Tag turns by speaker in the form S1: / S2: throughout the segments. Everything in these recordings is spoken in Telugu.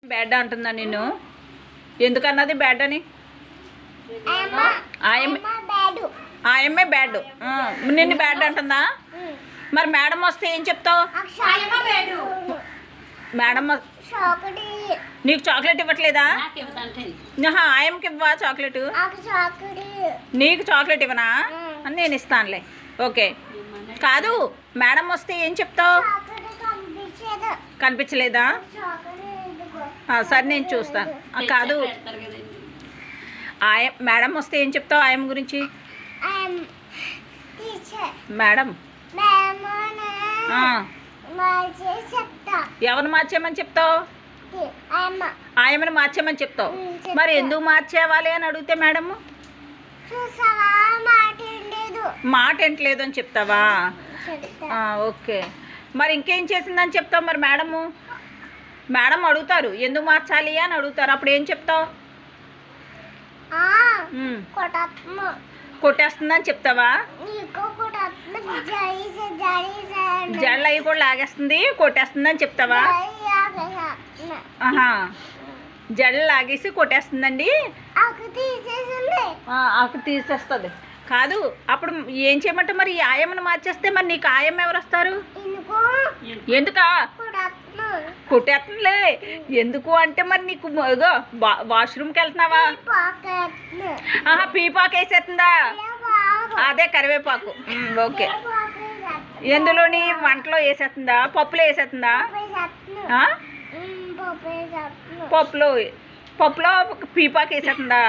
S1: బ్యాడ్ అంటుందా నిన్ను? ఎందుకన్నది బ్యాడ్ అని? ఆయమ్మే బ్యాడ్, నిన్ను బ్యాడ్ అంటుందా? మరి మేడం వస్తే ఏం చెప్తావు? మేడం నీకు చాక్లెట్ ఇవ్వట్లేదా? ఆయమ్మకి ఇవ్వా చాక్లెట్? నీకు చాక్లెట్ ఇవ్వనా? నేను ఇస్తానులే. ఓకే. కాదు, మేడం వస్తే ఏం చెప్తావు? కనిపించలేదా? సరే నేను చూస్తాను. కాదు, మేడం వస్తే ఏం చెప్తావు ఆయమ్మ గురించి? మేడం ఎవరిని మార్చేయమని చెప్తావు? ఆయమ్మని మార్చేయమని చెప్తావు. మరి ఎందుకు మార్చేవాలి అని అడిగితే మేడం మాట ఎంటలేదు అని చెప్తావా? ఓకే. మరి ఇంకేం చేసిందని చెప్తావు? మరి మేడం అడుగుతారు ఎందుకు మార్చాలి అని అడుగుతారు, అప్పుడు ఏం చెప్తావు? కొట్టేస్తుందని చెప్తావా? జడలు అవి కూడా లాగేస్తుంది, కొట్టేస్తుందని చెప్తావా? జడలు లాగేసి కొట్టేస్తుందండి, ఆకు తీసేస్తుంది. కాదు, అప్పుడు ఏం చేయమంటే మరి ఆయమ్మను మార్చేస్తే మరి నీకు ఆయమ్మ ఎవరు వస్తారు? ఎందుకా కొట్టేస్తుందిలే. ఎందుకు అంటే మరి నీకు వాష్రూమ్కి వెళ్తున్నావా? పీపాకు వేసేస్తుందా? అదే కరివేపాకు. ఓకే. ఎందులోని వంటలో వేసేస్తుందా? పప్పులో వేసేస్తుందా? పప్పులో పీపాకు వేసేస్తుందా?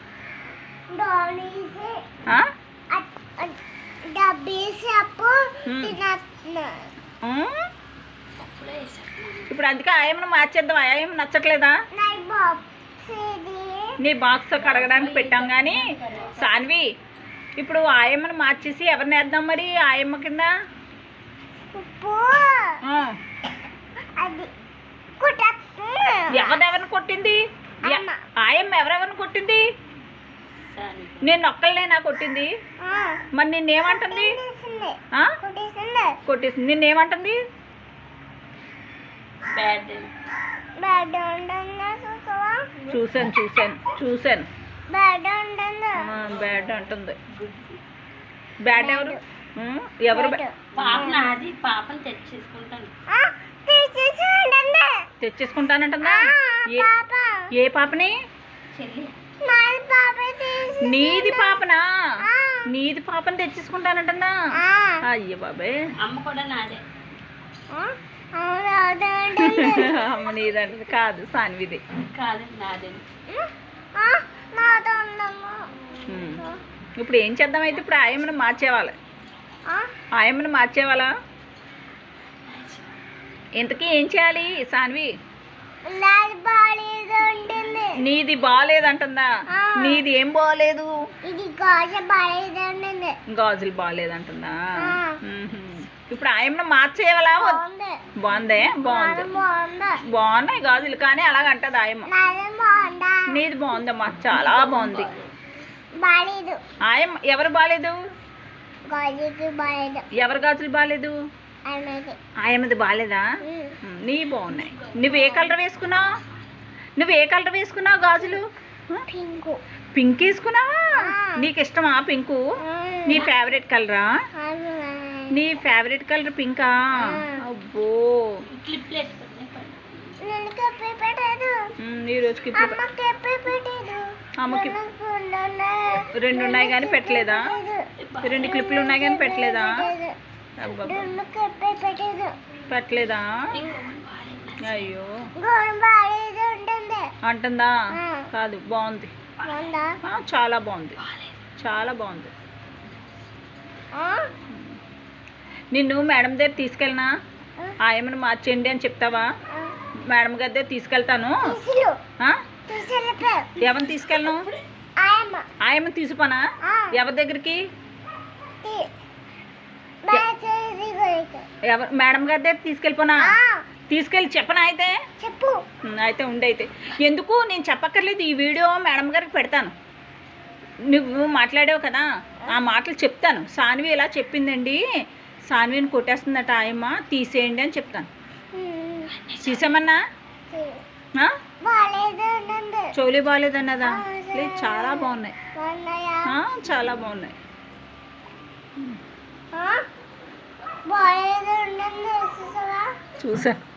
S1: ఇప్పుడు అందుకే ఆయమ్మను మార్చేద్దాం. ఆయమ్మ నచ్చట్లేదా? నీ బాక్స్ కడగడానికి పెట్టాం. కానీ సాన్వి, ఇప్పుడు ఆయమ్మను మార్చేసి ఎవరిని వేద్దాం మరి ఆయమ్మ కింద? ఎవరెవరిని కొట్టింది? ఆయమ్మ ఎవరెవరిని కొట్టింది? నేను ఒక్కళ్ళేనా కొట్టింది? మరి నిన్నేమంటుంది? కొట్టేసింది. నిన్నేమంటుంది? చూసాను. బ్యాడ్ అంటుంది. బ్యాడ్ ఎవరు? తెచ్చేసుకుంటానంటుందా? ఏ పాపని? నీది పాపనా? నీది పాపని తెచ్చేసుకుంటానంటుందా? అయ్యో బాబాయ్. అమ్మ కూడా నాదే. అమ్మ నీదంటే కాదు, సాన్విది. ఇప్పుడు ఏం చేద్దాం అయితే? ఇప్పుడు ఆయమ్మను మార్చేవాళ్ళ? ఆయమ్మను మార్చేవాళ్ళా? ఇంతకీ ఏం చేయాలి సాన్వి? నీది బాగాలేదంటుందా? నీది ఏం బాగాలేదు? గాజులు బాగాలేదంటుందా? ఇప్పుడు ఆయమ్మను మార్చేయాలా? బాగుందే? బాగున్నాయి గాజులు, కానీ అలాగంటది ఆయమ్మ. నీది బాగుందమ్మా, చాలా బాగుంది. ఆయమ్మ ఎవరు బాగాలేదు? ఎవరు గాజులు బాగాలేదు? ఆయమ్మది బాగాలేదా? నీ బాగున్నాయి. నువ్వు ఏ కలర్ వేసుకున్నావు గాజులు? పింక్ వేసుకున్నావా? నీకు ఇష్టమా పింకు? నీ ఫేవరెట్ కలరా? నీ ఫేవరెట్ కలర్ పింకా? అబ్బో, ఈరోజు అమ్మకి 2 ఉన్నాయి కానీ పెట్టలేదా? 2 క్లిప్లు ఉన్నాయి కానీ పెట్టలేదా? పెట్టలేదా? అయ్యో అంటుందా? కాదు, బాగుంది, చాలా బాగుంది, చాలా బాగుంది. నిన్ను మేడం దగ్గర తీసుకెళ్ళనా? ఆయమ్మను మార్చేయండి అని చెప్తావా? మేడం గారి దగ్గర తీసుకెళ్తాను. ఎవరిని తీసుకెళ్ళను? ఆయమ్మని తీసుకుపోనా? ఎవరి దగ్గరికి? మేడం గారి దగ్గర తీసుకెళ్ళిపోనా? తీసుకెళ్ళి చెప్పనా? అయితే చెప్పు. అయితే ఉండైతే ఎందుకు నేను చెప్పక్కర్లేదు, ఈ వీడియో మేడం గారికి పెడతాను. నువ్వు మాట్లాడావు కదా, ఆ మాటలు చెప్తాను. సాన్వి ఇలా చెప్పిందండి, సాన్విని కొట్టేస్తుందట ఆయమ్మ, తీసేయండి అని చెప్తాను. తీసేమన్నా? చెవులు బాగాలేదన్నదా? లేదు, చాలా బాగున్నాయి. చాలా బాగున్నాయి. చూసా.